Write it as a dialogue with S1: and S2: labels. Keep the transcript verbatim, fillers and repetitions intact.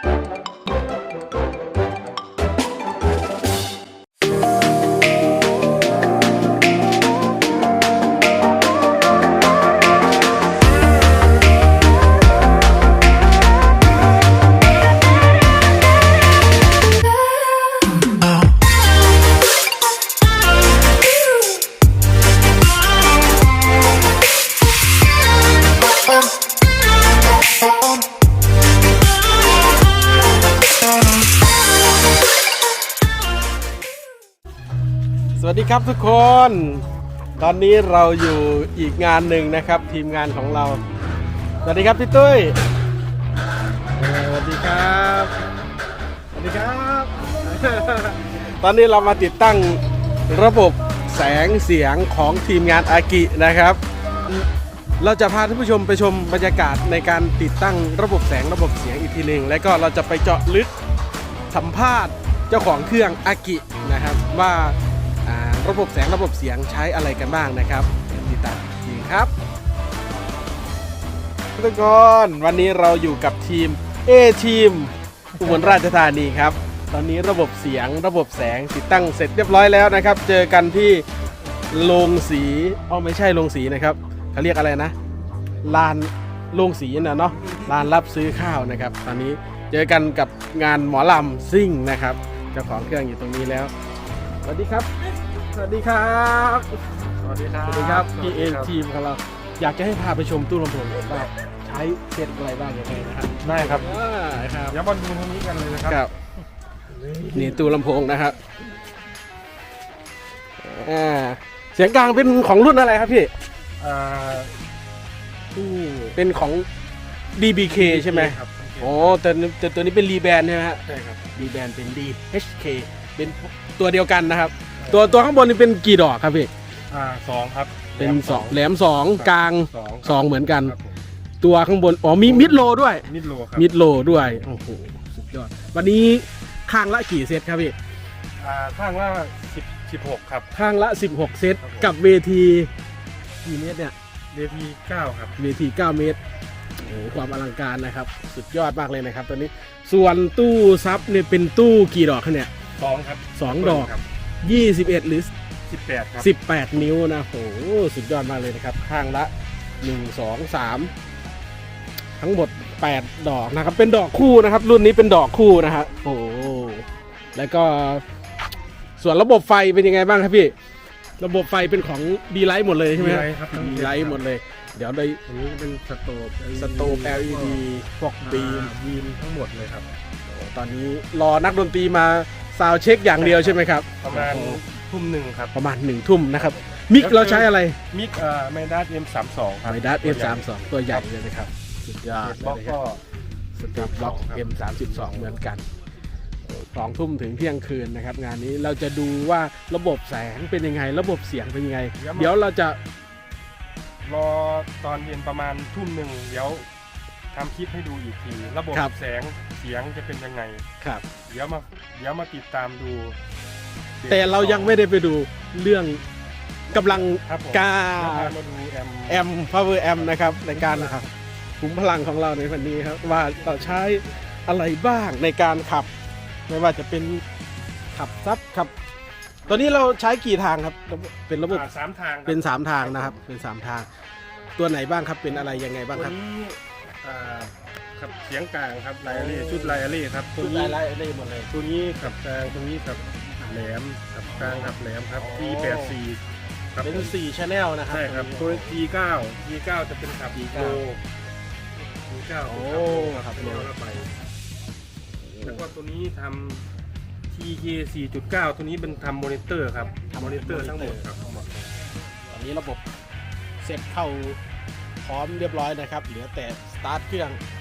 S1: สวัสดีครับทุกคน ตอนนี้เราอยู่อีกงานหนึ่งนะครับทีมงานของเราสวัสดีครับพี่ตุ้ยสวัสดีครับสวัสดีครับ ตอนนี้เรามาติดตั้งระบบแสงเสียงของทีมงานอากินะครับเราจะพาท่านผู้ชมไปชมบรรยากาศในการติดตั้งระบบแสงระบบเสียงอีกทีหนึ่งแล้วก็เราจะไปเจาะลึกสัมภาษณ์เจ้าของเครื่องอากินะครับว่าระบบแสงระบบเสียงใช้อะไรกันบ้างนะครับติดตามจริงครับทุกคนวันนี้เราอยู่กับทีม A ทีมอุบลราชธานีครับตอนนี้ระบบเสียงระบบแสงติดตั้งเสร็จเรียบร้อยแล้วนะครับเจอกันที่โรงสีอ๋อไม่ใช่โรงสีนะครับเขาเรียกอะไรนะลานโรงสีนะเนาะลานรับซื้อข้าวนะครับตอนนี้เจอกันกับงานหมอลำซิ่งนะครับเจ้าของเครื่องอยู่ตรงนี้แล้วสวัสดีครับสวัสดีครับสวัสดีครับสวัสดีครับพี่เอทีมของเราอยากจะให้พาไปชมตู้ลำโพงว่าใช้เซตอะไรบ้างยังไงนะครับ
S2: ได้ครับ
S1: ครับ
S2: เดี๋ยวมาดูตรงนี้กันเลยนะครับ
S1: นี่ตู้ลำโพงนะครับอ่าเสียงกลางเป็นของรุ่นอะไรครับพี่
S2: อ่า
S1: ตู้เป็นของ ดี บี เค ใช่ไหม
S2: ครับ
S1: โอ้แต่แต่ตัวนี้เป็นรีแบนใช่ไหมฮะ
S2: ใช่ครับ
S1: รีแบนเป็น ดี เอช เค เป็นตัวเดียวกันนะครับตัวตัวข้างบนนี่เป็นกี่ดอกครับพี่
S2: อ่าสองครับ
S1: เป็นสองแหลมสองกลางสองเหมือนกัน
S2: ครับ
S1: ตัวข้างบนอ๋อมีมิดโลด้วย
S2: มิดโลครับ
S1: มิดโลด้วยโอ้โหสุดยอดวันนี้ข้างละกี่เซตครับพี่
S2: อ่าข้างละสิบ สิบหกครับ
S1: ข้างละสิบหกเซตกับเวทีกี่เมตรเนี่ย
S2: เวทีเก้าครับ
S1: เวทีเก้าเมตรโอ้โหความอลังการนะครับสุดยอดมากเลยนะครับตอนนี้ส่วนตู้ซับเนี่ยเป็นตู้กี่ดอกครับเนี่ย
S2: สองครับ
S1: สองดอกยี่สิบเอ็ดหรือ
S2: สิบแปดครับ
S1: สิบแปดนิ้วนะโหสุดยอดมากเลยนะครับข้างละหนึ่ง สอง สามทั้งหมดแปดดอกนะครับเป็นดอกคู่นะครับรุ่นนี้เป็นดอกคู่นะฮะโอ้แล้วก็ส่วนระบบไฟเป็นยังไงบ้างครับพี่ระบบไฟเป็นของดีไลท์หมดเลยใช่ไหม
S2: ครับ
S1: ดีไลท์หมดเลยเดี๋ยวได้
S2: อันนี้เป็นสโตป
S1: สโตป แอล อี ดี พวกบีม
S2: บีมทั้งหมดเลยครับ
S1: ตอนนี้รอนักดนตรีมาซาวด์เช็คอย่างเดียวใช่ไหมครับ
S2: ประมาณทุ่มหนึ่งครับ
S1: ประมาณหนึ่งทุ่มนะครับมิกเราใช้อะไร
S2: มิกเอ่อไมดัส เอ็ม สามสิบสอง ครับ
S1: ไมดัส เอ็ม สามสิบสอง ตัวใหญ่เลยนะครับสุดยอด
S2: เลยนะครับ
S1: สเตปบล็อก เอ็ม สามสิบสอง เหมือนกันสองทุ่มถึงเที่ยงคืนนะครับงานนี้เราจะดูว่าระบบแสงเป็นยังไงระบบเสียงเป็นยังไงเดี๋ยวเราจะ
S2: รอตอนเย็นประมาณทุ่มหนึ่งเดี๋ยวทำคลิปให้ดูอีกทีระบบแสงเสียงจะเป็นยังไง
S1: ครับ
S2: เดี๋ยวมาเดี๋ยวมาติดตามดู
S1: แต่เรายังไม่ได้ไปดูเรื่องกำลังกา
S2: มาดูแอม
S1: แอม power amp นะครับในการนะครับขุมพลังของเราในวันนี้ครับว่าเราใช้อะไรบ้างในการขับไม่ว่าจะเป็นขับซับขับตอนนี้เราใช้กี่ทางครับเป็นระบบ
S2: สามทาง
S1: เป็นสามทางนะครับเป็นสามทางตัวไหนบ้างครับเป็นอะไรยังไงบ้างครับ
S2: ตัวนี้ขับเสียงกลางครับไลอารี่ชุดไลอารี่ครับ
S1: ตัวนี้ไลอารี่หมดเลย
S2: ตัวนี้ขับกลางตัวนี้ขับแหลมขับกลางขับแหลมครับทีแปดสี่
S1: เป็นสี่ channel นะครับ
S2: ใช่ครับตัว ที เก้า ที เก้า จะเป็นขับ ที เก้า ที เก้า
S1: โอ้ขับเร็วแล้วไป
S2: แล้วก็ตัวนี้ทำ ที เค สี่จุดเก้า ตัวนี้เป็นทำมอนิเตอร์ครับมอนิเตอร์ทั้งหมดครับ
S1: ตอนนี้ระบบเสร็จเข้าพร้อมเรียบร้อยนะครับเหลือแต่สตาร์ทเครื่อง